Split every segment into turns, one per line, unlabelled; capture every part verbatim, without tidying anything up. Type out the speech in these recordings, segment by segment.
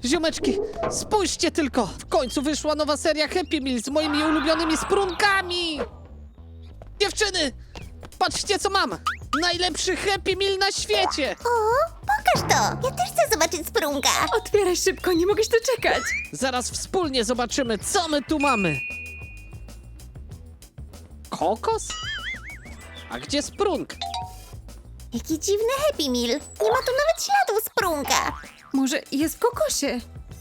Ziomeczki, spójrzcie tylko! W końcu wyszła nowa seria Happy Meal z moimi ulubionymi sprunkami! Dziewczyny! Patrzcie, co mam! Najlepszy Happy Meal na świecie!
O, pokaż to! Ja też chcę zobaczyć sprunka!
Otwieraj szybko, nie mogę się doczekać.
Zaraz wspólnie zobaczymy, co my tu mamy. Kokos? A gdzie sprunk?
Jaki dziwny Happy Meal! Nie ma tu nawet śladów sprunka!
Może jest w kokosie?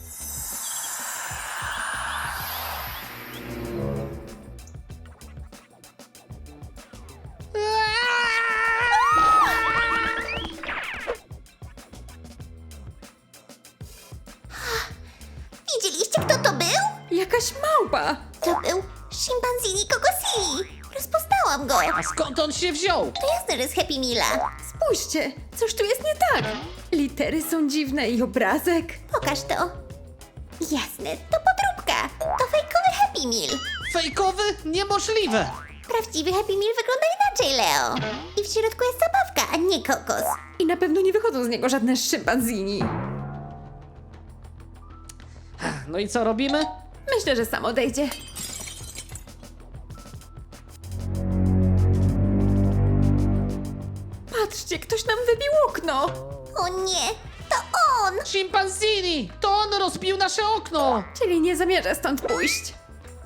Widzieliście, kto to był?
Jakaś małpa.
To był Szympanzini Kokosili! Rozpoznałam go!
A skąd on się wziął?
To jasne, że z Happy Meala!
Spójrzcie, coś tu jest nie tak. Litery są dziwne i obrazek.
Pokaż to! Jasne, to podróbka! To fejkowy Happy Meal!
Fejkowy? Niemożliwe!
Prawdziwy Happy Meal wygląda inaczej, Leo! I w środku jest zabawka, a nie kokos!
I na pewno nie wychodzą z niego żadne szympanzini.
No i co robimy?
Myślę, że sam odejdzie. Patrzcie, ktoś nam wybił okno.
O nie! To on!
Szympanzini! To on rozbił nasze okno!
Czyli nie zamierza stąd pójść.